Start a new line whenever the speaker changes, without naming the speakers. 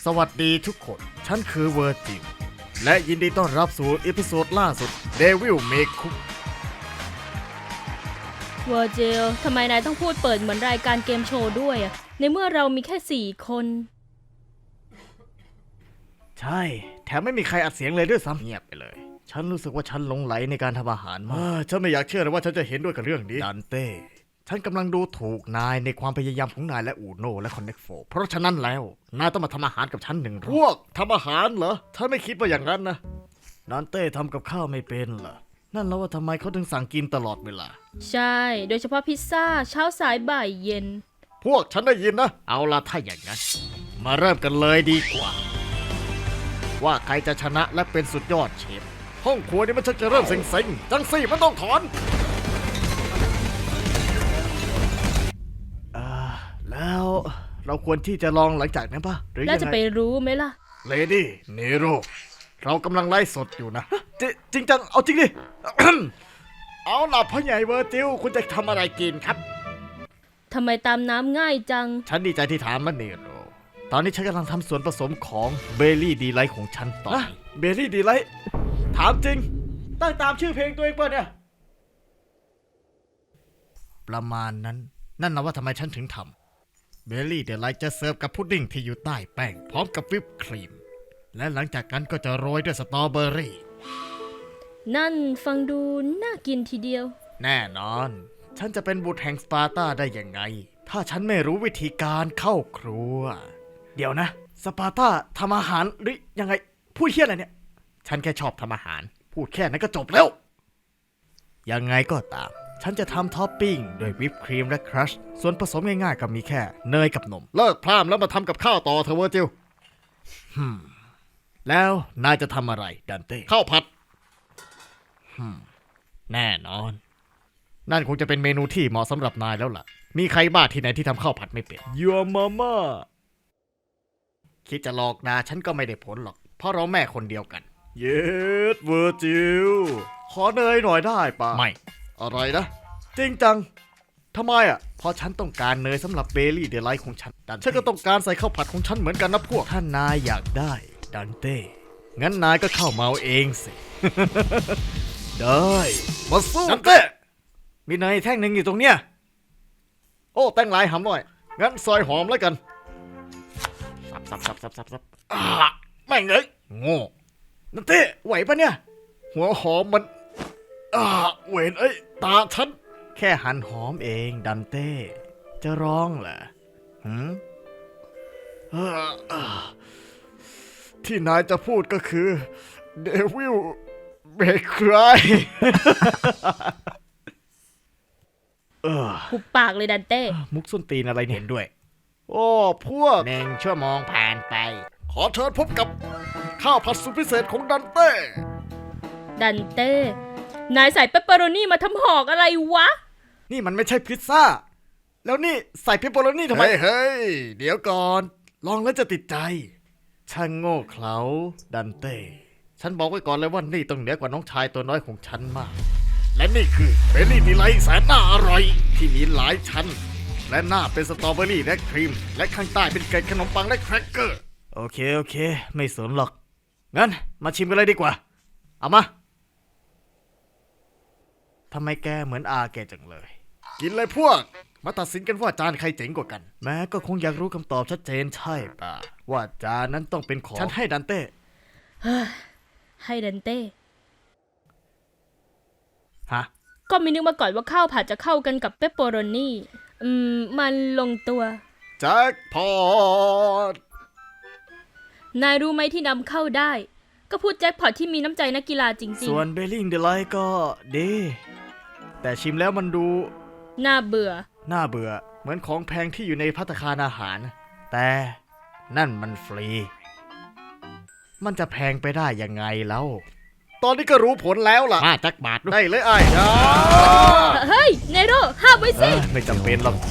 สวัสดีทุกคน ฉันคือเวอร์จิลและยินดีต้อนรับสู่อีพิโซดล่าสุด Devil May Cook
เวอร์จิลทำไมนายต้องพูดเปิดเหมือนรายการเกมโชว์ด้วยอะในเมื่อเรามีแค่4 คน
ใช่ แถมไม่มีใครอัดเสียงเลยด้วยซ้ำเงียบไปเลย ฉันรู้สึกว่าฉันหลงไหลในการทำอาหารมากฉันไม่อยากเชื่อเลยว่าฉันจะเห็นด้วยกับเรื่องนี้ดันเต้ ฉันกำลังดูถูกนายในความพยายามของนายและอูโน่และคอนเน็กโฟเพราะฉะนั้นแล้วนายต้องมาทำอาหารกับฉัน1 รอบพวกทำอาหารเหรอฉันไม่คิดว่าอย่างนั้นนะดันเต้ทำกับข้าวไม่เป็นเหรอนั่นแล้วว่าทำไมเขาถึงสั่งกินตลอดเวลา
ใช่ โดยเฉพาะพิซซ่าเช้าสายบ่ายเย็น
พวกฉันได้ยินนะ เอาล่ะถ้าอย่างนั้น มาเริ่มกันเลยดีกว่า ว่าใครจะชนะและเป็นสุดยอดเชฟ ห้องครัวนี่มันชักจะเริ่มเซ็งๆจังสี่มันต้องถอนแล้วเราควรที่จะลองหลังจากนั้นปะหรือ
แล้ว
ยัง
จะ
ไง
ไปรู้ไหมล่ะ
เลดี้เนโรเรากำลังไล่สดอยู่นะจริงจังเอาจริงดิ เอาล่ะพ่อใหญ่เวอร์จิลคุณจะทำอะไรกินครับ
ทำไมตามน้ำง่ายจัง
ฉันดีใจที่ถามมันเนโรตอนนี้ฉันกำลังทำส่วนผสมของเบลลี่ดีไลท์ของฉันต่อเบลลี่ดีไลท์ถามจริง ตั้งตามชื่อเพลงตัวเองป่ะเนี่ย ประมาณนั้น นั่นนะว่าทำไมฉันถึงทำเบลลี่ดีไลท์จะเสิร์ฟกับพุดดิ้งที่อยู่ใต้แป้งพร้อมกับวิปครีม และหลังจากนั้นก็จะโรยด้วยสตรอเบอรี่
นั่นฟังดูน่ากินทีเดียว
แน่นอน ฉันจะเป็นบุตรแห่งสปาร์ตาได้ยังไง ถ้าฉันไม่รู้วิธีการเข้าครัว เดี๋ยวนะ สปาร์ตาทำอาหารหรือยังไง พูดเฮี้ยอะไรเนี่ย ฉันแค่ชอบทำอาหาร พูดแค่นั้นก็จบแล้ว ยังไงก็ตาม ฉันจะทำท็อปปิ้งด้วยวิปครีมและครัช ส่วนผสมง่ายๆก็มีแค่เนยกับนม เลิกพร่ำแล้วมาทำกับข้าวต่อเถอะเวอร์จิลแล้วนายจะทำอะไรดันเต้ ข้าวผัด แน่นอน นั่นคงจะเป็นเมนูที่เหมาะสำหรับนายแล้วล่ะ มีใครบ้าที่ไหนที่ทำข้าวผัดไม่เป็น Your mama คิดจะหลอกด่าฉันก็ไม่ได้ผลหรอก เพราะเราแม่คนเดียวกัน เย็ดเวอร์จิลขอเนยหน่อยได้ปะไม่ อะไรนะ จริงจัง ทำไมอ่ะ เพราะฉันต้องการเนยสำหรับเบลลี่เดลไลท์ของฉัน ฉันก็ต้องการใส่ข้าวผัดของฉันเหมือนกันนะพวก ถ้านายอยากได้ดันเต้ งั้นนายก็เข้ามาเอาเองสิ ได้มาสู้ดันเต้ มีเนยแท่งหนึ่งอยู่ตรงเนี้ย โอ้แต้งหลายหำหน่อย งั้นซอยหอมแล้วกันสับแม่งเอ้ยโง่นันเต้ไหวปะเนี่ย หัวหอมมันเวนเอ้ยตาฉัน แค่หั่นหอมเองดันเต้ จะร้องเหรอที่นายจะพูดก็คือเดวิลเบคไร
หุบปากเลยดันเต้
มุกส้นตีนอะไรเนี่ยเห็นด้วย โอ้พวก1 ชั่วโมงผ่านไป ขอเชิญพบกับข้าวผัดสุดพิเศษของดันเต้
ดันเต้ นายใส่เปปเปอโรนี่มาทำหอกอะไรวะ
นี่มันไม่ใช่พิซซ่า แล้วนี่ใส่เพปเปอโรนี่ทำไม เฮ้ย เดี๋ยวก่อน ลองแล้วจะติดใจ ช่างโง่เขลาดันเต้ ฉันบอกไว้ก่อนเลยว่านี่ต้องเหนือกว่าน้องชายตัวน้อยของฉันมาก และนี่คือเบลลี่ดีไลท์แสนน่าอร่อยที่มีหลายชั้น และหน้าเป็นสตรอเบอรี่และครีม และข้างใต้เป็นเกล็ดขนมปังและแครกเกอร์ โอเค ไม่สนหรอก งั้นมาชิมกันเลยดีกว่า เอามาทำไมแกเหมือนอาแกจังเลย กินเลยพวก มาตัดสินกันว่าจานใครเจ๋งกว่ากัน แม้ก็คงอยากรู้คำตอบชัดเจนใช่ป่ะว่าจานนั้นต้องเป็นของฉันให้ดันเต้
ให้ดันเต้
ฮะ
ก็ไม่นึกมาก่อนว่าข้าวผัดจะเข้ากันกับเปปเปอโรนี่มันลงตัว
แจ็คพอต
นายรู้ไหมที่นำเข้าได้ ก็พูดแจ็คพอตที่มีน้ำใจนักกีฬาจริง
ส่วนเบลลิงเดลไลท์ก็ดีแต่ชิมแล้วมันดู
ๆ น่าเบื่อ
น่าเบื่อเหมือนของแพงที่อยู่ในภัตตาคารอาหาร แต่นั่นมันฟรี มันจะแพงไปได้ยังไงแล้วตอนนี้ก็รู้ผลแล้วล่ะมาจักบาทได้เลยไอ้
เฮ้ยเนโรห้ามไว้สิ
ไม่จำเป็นหรอก